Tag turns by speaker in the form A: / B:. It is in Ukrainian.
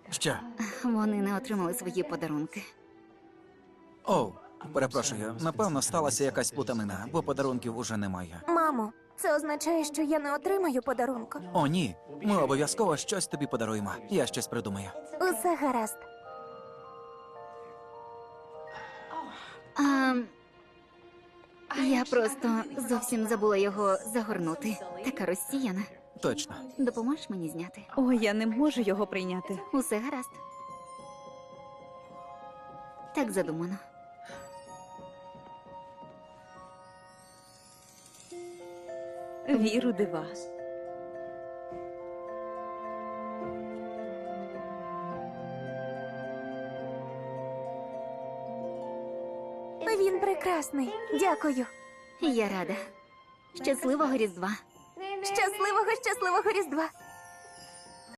A: Що?
B: Вони не отримали свої подарунки.
A: Оу, перепрошую, напевно, сталася якась плутанина, бо подарунків уже немає.
C: Мамо, це означає, що я не отримаю подарунку.
A: О, ні, ми обов'язково щось тобі подаруємо. Я щось придумаю.
C: Усе гаразд.
B: Я просто зовсім забула його загорнути. Така розсіяна.
A: Точно.
B: Допоможеш мені зняти?
D: Ой, я не можу його прийняти.
B: Усе гаразд. Так задумано.
D: Віру дива.
C: Він прекрасний. Дякую.
B: Я рада. Щасливого Різдва.
C: Щасливого Різдва.